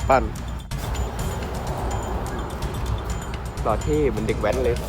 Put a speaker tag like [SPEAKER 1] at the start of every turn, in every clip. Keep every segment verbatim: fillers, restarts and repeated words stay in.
[SPEAKER 1] ปั้นหล่อเท่เหมือนเด็กแว้นเลย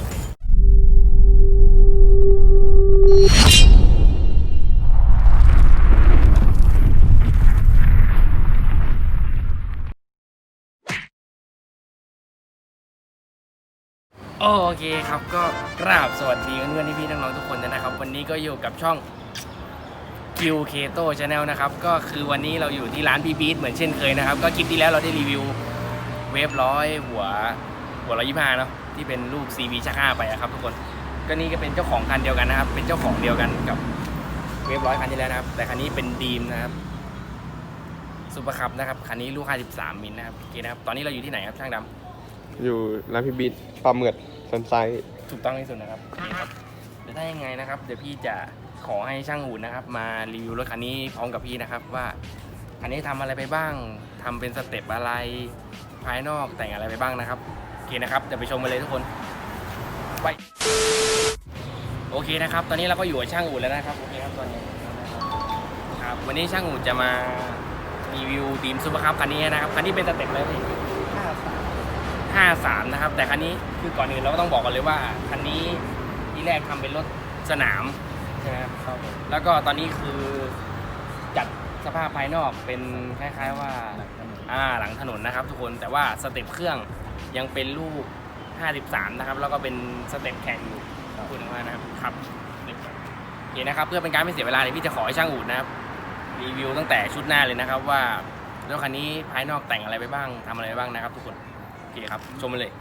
[SPEAKER 2] โอเคครับก็กราบสวัสดีเพื่อนๆพี่ๆน้องๆทุกคนนะครับวันนี้ก็อยู่กับช่อง คิว Keto Channel นะครับก็คือวันนี้เราอยู่ที่ร้านพี่บีทเหมือนเช่นเคยนะครับก็คลิปที่แล้วเราได้รีวิวเวฟร้อยหัวหัวร้อยยี่สิบห้าเนาะที่เป็นรูป ซี บี ชักห้าไปครับทุกคนก็นี่ก็เป็นเจ้าของคันเดียวกันนะครับเป็นเจ้าของเดียวกันกับเวฟร้อยคันที่แล้วนะครับแต่คันนี้เป็นดีมนะครับซูเปอร์คัพนะครับคันนี้ลูกห้าสิบสามมิลนะครับโอเคนะครับตอนนี้เราอยู่ที่ไหนครับช่างดำ
[SPEAKER 1] อยู่ร้านพี่บีทปลาเมือดซันไซด์
[SPEAKER 2] ถูกต้องที่สุดนะครับเดี๋ยวถ้ายังไงนะครับเดี๋ยวพี่จะขอให้ช่างหูนะครับมารีวิวรถคันนี้พร้อมกับพี่นะครับว่าคันนี้ทำอะไรไปบ้างทำเป็นสเต็ปอะไรภายนอกแต่งอะไรไปบ้างนะครับโอเคนะครับเดี๋ยวไปชมกันเลยทุกคนไปโอเคนะครับตอนนี้เราก็อยู่กับช่างอู่แล้วนะครับโอเคครับตอนนี้ครับวันนี้ช่างอู่จะมารีวิวดีมซูเปอร์คัพคันนี้นะครับคันนี้เป็นสเต็ปอะไรพี่ห้าสามนะครับแต่คันนี้คือก่อนอื่นเราก็ต้องบอกกันเลยว่าคันนี้ที่แรกทำเป็นรถสนามใช่ไหมครับแล้วก็ตอนนี้คือจัดสภาพภายนอกเป็นคล้ายๆว่าอ่าหลังถนนนะครับทุกคนแต่ว่าสเต็ปเครื่องยังเป็นลูกห้าสิบสามนะครับแล้วก็เป็นสเต็ปแข่งอยู่พูดถึงว่านะครับครับโอเคนะครับเพื่อเป็นการไม่เสียเวลาเลยพี่จะขอให้ช่างอู่นะครับรีวิวตั้งแต่ชุดหน้าเลยนะครับว่ารถคันนี้ภายนอกแต่งอะไรไปบ้างทำอะไรไปบ้างนะครับทุกคนโอเคครับชมมาเลย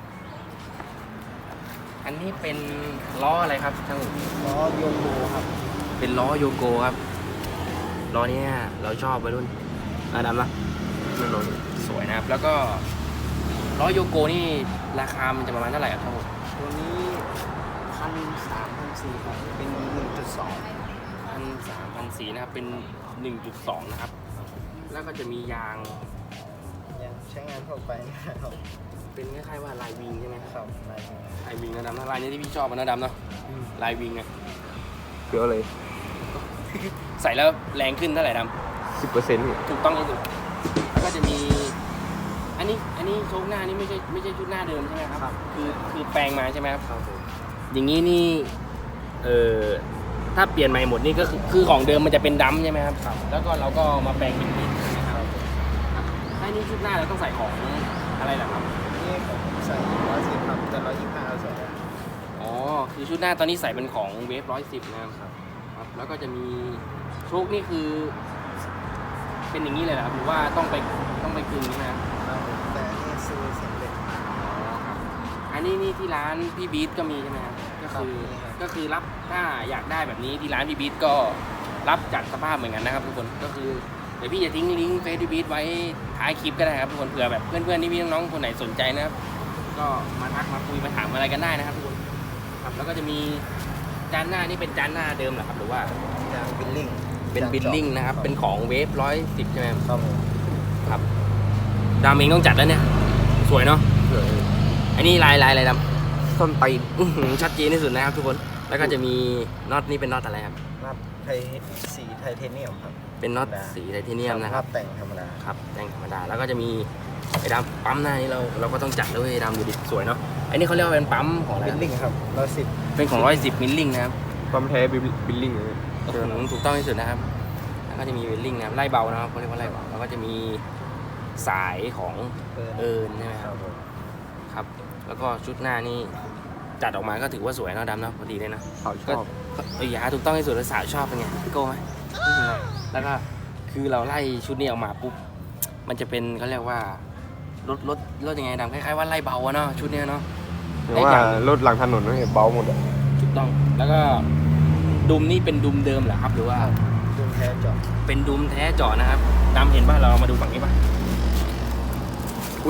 [SPEAKER 2] อันนี้เป็นล้ออะไรครับช่างล้อโยโกครับเป็นล้อโยโกครับล้อนี้เราชอบไปรุ่นอาดำนะนั่นล้อสวยนะครับแล้วก็ล้อโยโกนี่ราคามันจะประมาณเท่าไหร่ครับทั้งหมด
[SPEAKER 3] ตัวนี้พันสามพันสี่ครับเป็นหนึ่งจุดสอง
[SPEAKER 2] พันสามพันสี่นะครับเป็นหนึ่งจุดสองนะครับแล้วก็จะมียาง
[SPEAKER 3] ยังใช้งานทั่วไปนะครับ
[SPEAKER 2] เป็นคล้ายๆว่าลายวิงใช่ไหม
[SPEAKER 3] ครับลายวิง
[SPEAKER 2] ลายวิงนะดำนะลายนี้ที่พี่ชอบนะดำเนาะลายวิงเนี่ย
[SPEAKER 1] เกี่ยวเลย
[SPEAKER 2] ใส่แล้วแรงขึ้นเท่าไหร่ด
[SPEAKER 1] ำสิบเปอร์เซ็นต์
[SPEAKER 2] ถูกต้องที่สุดแล้วก็จะมีอันนี้อันนี้โชคหน้านี่ไม่ใช่ไม่ใช่ชุดหน้าเดิมใช่ไหมครับคือคือแปลงมาใช่ไหมครับ
[SPEAKER 3] ครับ
[SPEAKER 2] อย่างนี้นี่เออถ้าเปลี่ยนใหม่หมดนี่ก็คือคือของเดิมมันจะเป็นดำใช่ไหมครับแล้วก็เราก็มาแปลงเป็นมิดนะครับถ้านี่ชุดหน้าเราต้องใส่ของอะไรล่ะครับ
[SPEAKER 3] นี่ผมใส่ร้อยสิบครับแต่ร้อยยี่สิบห้าเราใส่ได้
[SPEAKER 2] อ๋อคือชุดหน้าตอนนี้ใส่เป็นของเวฟร้อยสิบนะครับครับแล้วก็จะมีโชคนี่คือเป็นอย่างนี้เลยนะครับหรือว่าต้องไปต้องไปกึ่งนะครับ
[SPEAKER 3] แต่นี่ซื้อสำเร็จ
[SPEAKER 2] อันนี้นี่ที่ร้านพี่บีทก็มีใช่ไหมครับก็คือก็คือรับถ้าอยากได้แบบนี้ที่ร้านพี่บีทก็รับจัดสภาพเหมือนกันนะครับทุกคนก็คือเดี๋ยวพี่จะทิ้งลิงก์เฟซพี่บีทไว้ท้ายคลิปก็ได้ครับทุกคนเผื่อแบบเพื่อนๆที่พี่น้องๆคนไหนสนใจนะครับก็มาทักมาคุยมาถามอะไรกันได้นะครับทุกคนครับแล้วก็จะมีจานหน้านี่เป็นจานหน้าเดิมเหรอครับหรือว่า
[SPEAKER 3] จานบิลลิ่ง
[SPEAKER 2] เป็นบิลลิ่งนะครับเป็นของเวฟร้อยสิบใช่ไหม
[SPEAKER 3] ครับ
[SPEAKER 2] ครับดามเองต้องจัดแล้วเนี่ยสวยเนาะอันนี้ลายลายอะไรดำ
[SPEAKER 1] ส้นตีน
[SPEAKER 2] ชัดเจนที่สุดนะครับทุกคนแล้วก็จะมีน็อตนี่เป็นน็อตอะไรครับ
[SPEAKER 3] น็อตไทสีไทเทเนียมครับ
[SPEAKER 2] เป็นน็อตสีไทเทเนียมนะครับ
[SPEAKER 3] แต่งธรรมดา
[SPEAKER 2] ครับแต่งธรรมดาแล้วก็จะมีไอ้ดำปั๊มหน้านี่เราเราก็ต้องจัดด้วยดำดูดิสวยเนาะอันนี้เขาเรียกว่าเป็นปั๊มของอะไร
[SPEAKER 3] บิลลิ่งครับร้อยสิบ
[SPEAKER 2] เป็นของร้อยสิบมิลลิ่งนะครับ
[SPEAKER 1] ปั๊มแท้บิลลิ่งเลย
[SPEAKER 2] ถูกต้องที่สุดนะครับแล้วก็จะมีบิลลิ่งนะครับไล่เบานะครับเขาเรียกว่าไล่เบาแล้วก็จะมีสายของเอิร์นใช่ไหมครับครับแล้วก็ชุดหน้านี่จัดออกมาก็ถือว่าสวยเนาะดำเนาะพอดีเลยนะ
[SPEAKER 1] เขาชอบ
[SPEAKER 2] เออยาถูกต้องที่สุดแล้วสาวชอบเป็นไงพี่โก้ไหมแล้วก็คือเราไล่ชุดนี้ออกมาปุ๊บมันจะเป็นเขาเรียกว่ารถรถรถยังไงดำคล้ายๆว่าไล่เบาเนาะชุดนี้เนาะ
[SPEAKER 1] หรือว่ารถหลังถนนนี่เบาหมดอะ
[SPEAKER 2] ถูกต้องแล้วก็ดุมนี่เป็นดุมเดิมเหรอครับหรือว่า
[SPEAKER 3] ดุมแท้เจาะ
[SPEAKER 2] เป็นดุมแท้เจาะนะครับดำเห็นป่ะเรามาดูฝั่งนี้ป่ะอุ้ย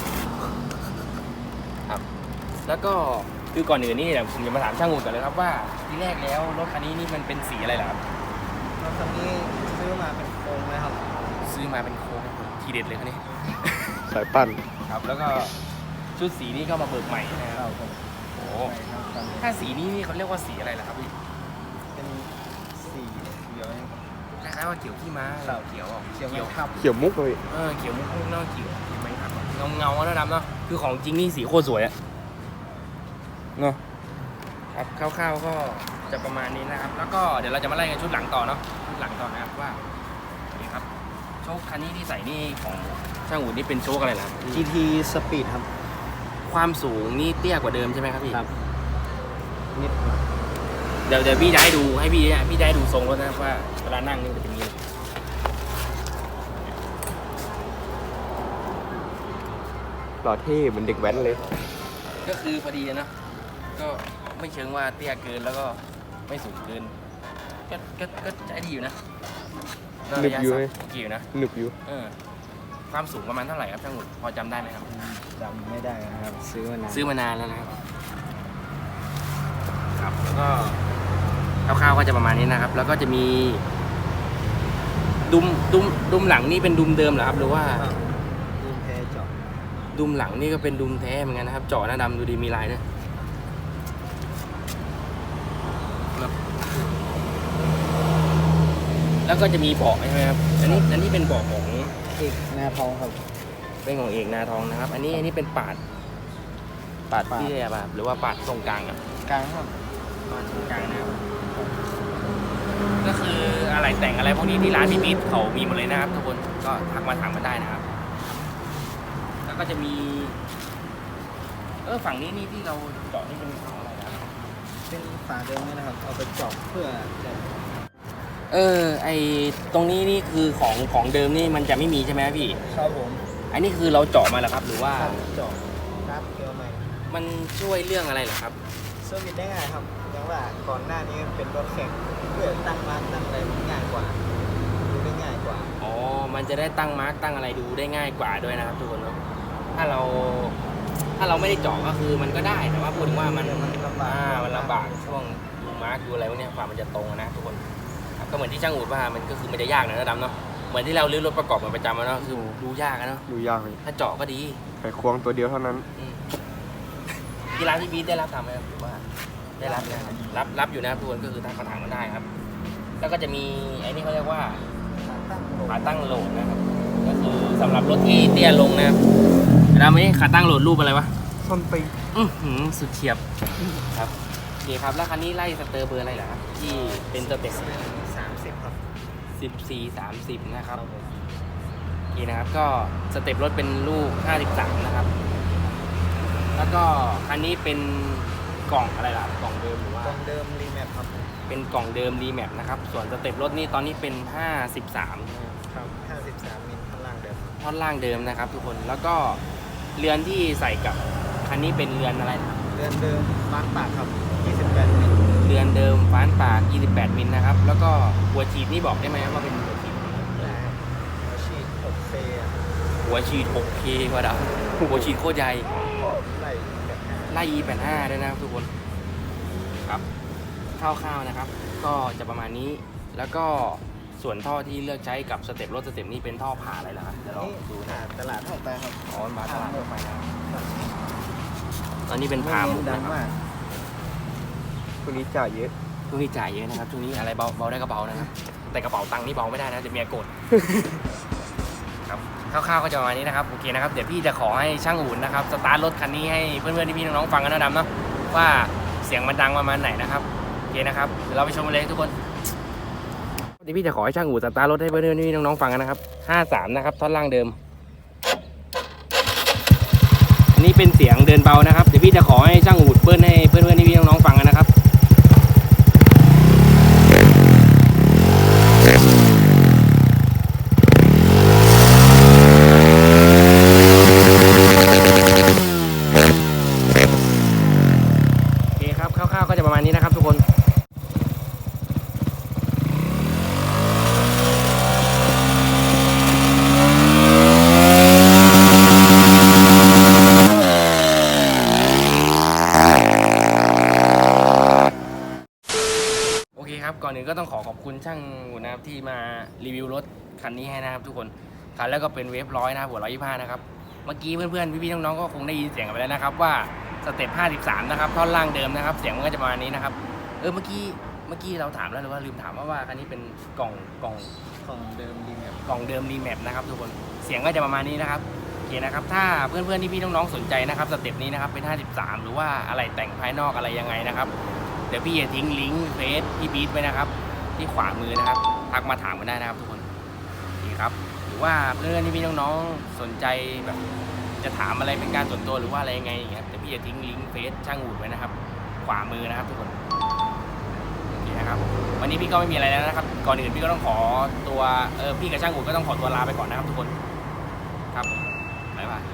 [SPEAKER 2] ครับแล้วก็คือก่อนอื่นนี่เดี๋ยวผมจะมาถามช่างอู่ก่อนเลยครับว่าที่แรกแล้วรถคันนี้นี่มันเป็นสีอะไรล่ะครับ
[SPEAKER 3] รถคันนี้ซื้อมาเป็นโครงเลยครับ
[SPEAKER 2] ซื้อมาเป็นโครงทีเด็ดเลยคันนี้
[SPEAKER 1] สายปั้น
[SPEAKER 2] ครับแล้วก็ชุดสีนี้ก็มาเบิกใหม่นะครับโอ้ถ้าสีนี้นี่เขาเรียกว่าสีอะไรล่ะครับพี่
[SPEAKER 3] เป็นสีเขียว
[SPEAKER 2] คล้ายๆว่าเขียวขี้ม้าเราเขียว
[SPEAKER 3] เขียวเขียว
[SPEAKER 1] เขียวมุกเลย
[SPEAKER 2] เออเขียวมุกมุกนอกเขียวเห็นไหมคเงาเงาๆแล้วดำเนาะคือของจริงนี่สีโคตรสวยอะเนาะครับคร่าวๆก็จะประมาณนี้นะครับ แล้วก็เดี๋ยวเราจะมาไล่กันชุดหลังต่อเนาะชุดหลังต่อนะครับว่านี่ครับโชคคันนี้ที่ใส่นี่ของช่างอูดนี่เป็นโชคอะไรล่ะ
[SPEAKER 3] จี ที Speed ครับ
[SPEAKER 2] ความสูงนี่เตี้ยกว่าเดิมใช่ไหมครับพี่
[SPEAKER 3] ครับนิดหน่อย
[SPEAKER 2] เดี๋ยวเดี๋ยวพี่จะให้ดูให้พี่พี่จะให้ดูทรงรถนะครับว่าเวลานั่งนี่มันจะเป็นยังไง
[SPEAKER 1] หล่อเท่เหมือนเด็กแว้นเลย
[SPEAKER 2] ก็คือพอดีนะก็ไม่เชิงว่าเตี้ยเกินแล้วก็ไม่สูงเกินก็ก็ก็ใจดีอยู่นะก็
[SPEAKER 1] หนึ
[SPEAKER 2] ระ
[SPEAKER 1] บ
[SPEAKER 2] ยะ
[SPEAKER 1] อยู่
[SPEAKER 2] สั้
[SPEAKER 1] ไหม
[SPEAKER 2] นโอเคอยู่นะ
[SPEAKER 1] หนึบอยู่
[SPEAKER 2] เออความสูงประมาณเท่าไหร่ครับช่างหมุดพอจำได้ไหมครับ
[SPEAKER 3] จำไม่ได้นะครับ ซื้อมานาน
[SPEAKER 2] ซื้อมานานแล้วนะครับครับแล้วก็คร่าวๆก็จะประมาณนี้นะครับ แล้วก็จะมีดุมดุมดุมหลังนี่เป็นดุมเดิมเหรอครับหรือว่า
[SPEAKER 3] ดูแพเจาะ
[SPEAKER 2] ดุมหลังนี่ก็เป็นดุมแท้เหมือนกันนะครับเจาะหน้าดำดูดีมีลายด้วยครับแล้วก็จะมีเบาะใช่ไหมครับอันนี้อันนี้เป็นเบาะของ
[SPEAKER 3] เอกหน้าทองครับ
[SPEAKER 2] เป็นของเอกนาทองนะครับ อันนี้อันนี้เป็นปาดปาด
[SPEAKER 3] ปาด
[SPEAKER 2] ที่เรียกว่าหรือว่าปาดตรงกลางอ่ะ
[SPEAKER 3] กลางครับ
[SPEAKER 2] ปาดตรงกลางนะครับก็คืออะไรแต่งอะไรพวกนี้ที่ร้านพี่มิตรเขามีหมดเลยนะครับทุกคนก็ทักมาถามมาได้นะครับ แล้วก็จะมี เออฝั่งนี้นี่ที่เราเจาะนี่เป็นของอะไรนะครับ
[SPEAKER 3] เป็นฝาเดิมนี่นะครับ เอาไปเจาะเพื่อจะ
[SPEAKER 2] เออไอตรงนี้นี่คือของของเดิมนี่มันจะไม่มีใช่ไหมพี่
[SPEAKER 3] ครับผม
[SPEAKER 2] อันนี้คือเราเจาะมาแล้วครับ หรือว่า
[SPEAKER 3] เจาะครับเกี่ยวใหม่
[SPEAKER 2] มันช่วยเรื่องอะไรเหรอครับ
[SPEAKER 3] เซอร์วิสได้ง่ายครับอย่างว่าก่อนหน้านี้เป็นรถแข่งเพื่อตั้งร้านตั้งอะไรมันง่ายกว่าดูได้ง่ายกว่า
[SPEAKER 2] อ๋อ มันจะได้ตั้งมาร์กตั้งอะไรดูได้ง่ายกว่าด้วยนะครับทุกคนเนาะ ถ้าเรา ถ้าเราไม่ได้เจาะก็คือมันก็ได้ แต่ว่าพูดถึงว่ามัน
[SPEAKER 3] มันลำบาก
[SPEAKER 2] อ่ามันลำบากช่วงดูมาร์กดูอะไรพวกเนี้ยกว่ามันจะตรงอะนะทุกคนครับก็เหมือนที่ช่างอูดว่ามันก็คือมันจะยากนะนะดำเนาะ เหมือนที่เราลื้อรถประกอบมาประจำอะเนาะคือดูยากอะเนาะ
[SPEAKER 1] ดูยากเลย
[SPEAKER 2] ถ้าเจาะก็ดี
[SPEAKER 1] ไขควงตัวเดียวเท่านั้น
[SPEAKER 2] อืมที่ร้านพี่บีทได้รับทำไหมครับหรือว่าได้รับนะครับรับรับอยู่นะครับทุกคนก็คือทางกระถางมันได้ครับ แล้วก็จะมีไอ้นี่เขาเรียกว่า
[SPEAKER 3] ตั้งโหลด
[SPEAKER 2] ขาตั้งโหลดนะครับ ก็คือสำหรับรถที่เตี้ยลงนะครับแล้วไม่ขาตั้งโหลดรูปอะไรวะ
[SPEAKER 1] ส้นตีน
[SPEAKER 2] อื้อหือสุดเฉียบครับโอเคครับแล้วคันนี้ไล่สเตอร์เบอร์อะไรเหรอครับที่เป็นสเต็ป
[SPEAKER 3] สามสิบครับ
[SPEAKER 2] สิบสี่สามสิบนะครับ
[SPEAKER 3] ผม
[SPEAKER 2] โอเคนะครับก็สเต็ปรถเป็นลูกห้าสิบสามนะครับ แล้วก็คันนี้เป็นกล่องอะไรล่ะกล่องเดิมหรือว่าก
[SPEAKER 3] ล่องเดิมรีแมปครับ
[SPEAKER 2] เป็นกล่องเดิมรีแมปนะครับส่วนสเต็ปรถนี่ตอนนี้เป็นห้าสิบสาม
[SPEAKER 3] ครับห้าสิบสามมิลข้างล่างเดิม
[SPEAKER 2] ท่อนล่างเดิมนะครับ ทุกคนแล้วก็เรือนที่ใส่กับคันนี้เป็นเรือนอะไรนะ
[SPEAKER 3] เรือนเดิมบ้านปากครับยี่สิบแปดมิล
[SPEAKER 2] เรือนเดิมฟ้านปากยี่สิบแปดมิลนะครับแล้วก็หัวฉีดนี่บอกได้ไหมว่าเป็นหัวฉีด
[SPEAKER 3] ได้ครับอาชีพหกเฟย์
[SPEAKER 2] หัวฉีด หกเค กว่าดาวหัวฉีดโคตรใหญ่
[SPEAKER 3] ไล่แบบห้า
[SPEAKER 2] ไล่ อี แปดห้า ด้วยนะครับทุกคนครับคร่าวๆนะครับ ก็จะประมาณนี้แล้วก็ส่วนท่อที่เลือกใช้กับสเต็ปรถสเต็ปนี้เป็นท่อผ่าอะไรล่ะครับเดี๋ยวลอง
[SPEAKER 3] นี่
[SPEAKER 2] ดู
[SPEAKER 3] อ่า
[SPEAKER 2] นะ
[SPEAKER 3] ตลาดทั่วไปครับ
[SPEAKER 2] อ๋อมาตลาดทั่วไปนะครับตอนนี้เป็นพาหมุก
[SPEAKER 3] ดัง
[SPEAKER 2] นะครับ
[SPEAKER 3] มาก
[SPEAKER 1] ตัวนี้จ่ายเยอะ
[SPEAKER 2] ช่วงนี้จ่ายเยอะนะครับช่วงนี้อะไรเบาเบาได้ก็เบานะครับ แต่กระเป๋าตังค์นี่เบาไม่ได้นะเดี๋ยวเมียโกรธ ครับคร่าวๆก็จะประมาณนี้นะครับโอเคนะครับเดี๋ยวพี่จะขอให้ช่างอุ่นนะครับสตาร์ทรถคันนี้ให้เพื่อนๆพี่ๆน้องๆฟังกันนะดำเนาะว่าเสียงมันดังประมาณไหนนะครับโอเคนะครับเดี๋ยวเราไปชมกันเลยทุกคนเดี๋ยวพี่จะขอให้ช่างอุ่นสตาร์ทรถให้เพื่อนๆพี่ๆน้องๆฟังกันนะครับห้าสามนะครับท่อนล่างเดิมอันนี้เป็นเสียงเดินเบานะครับเดี๋ยวพี่จะขอให้ช่างอุ่นเบิ้ลให้เพื่อนๆพี่ๆน้องๆฟังกันนะครับคร่าวๆก็จะประมาณนี้นะครับทุกคนโอเคครับก่อนอื่นก็ต้องขอขอบคุณช่างอุ่นนะครับที่มารีวิวรถคันนี้ให้นะครับทุกคนคันแล้วก็เป็นเวฟร้อยนะครับหัวร้อยยี่สิบห้านะครับเมื่อกี้เพื่อนๆพี่ๆน้องๆก็คงได้ยินเสียงกันไปแล้วนะครับว่าสเต็ปห้าสิบสามนะครับท่อนล่างเดิมนะครับเสียงมันก็จะประมาณนี้นะครับเออเมื่อกี้เมื่อกี้เราถามแล้วหรือว่าลืมถามว่าว่าคันนี้เป็นกล่องกล่อง
[SPEAKER 3] ของเดิมรีแมป
[SPEAKER 2] กล่องเดิมรีแมปนะครับทุกคนเสียงก็จะประมาณนี้นะครับโอเคนะครับ ถ้าเพื่อนๆที่พี่น้องๆสนใจนะครับสเต็ปนี้นะครับเป็นห้าสิบสามหรือว่าอะไรแต่งภายนอกอะไรยังไงนะครับเดี๋ยวพี่จะทิ้งลิงก์เฟซพี่บีทไว้นะครับที่ขวามือนะครับทักมาถามกันได้นะครับทุกคนโอเคครับหรือว่าเพื่อนที่พี่น้องๆสนใจแบบจะถามอะไรเป็นการส่วนตัวหรือว่าอะไรยังไงอย่างเงี้ยเดี๋ยวพี่จะทิ้งลิงก์เฟซช่างอูดไว้นะครับขวามือนะครับทุกคนโอเคนะครับวันนี้พี่ก็ไม่มีอะไรแล้วนะครับก่อนอื่นพี่ก็ต้องขอตัวเออพี่กับช่างอูดก็ต้องขอตัวลาไปก่อนนะครับทุกคนครับบ๊ายบาย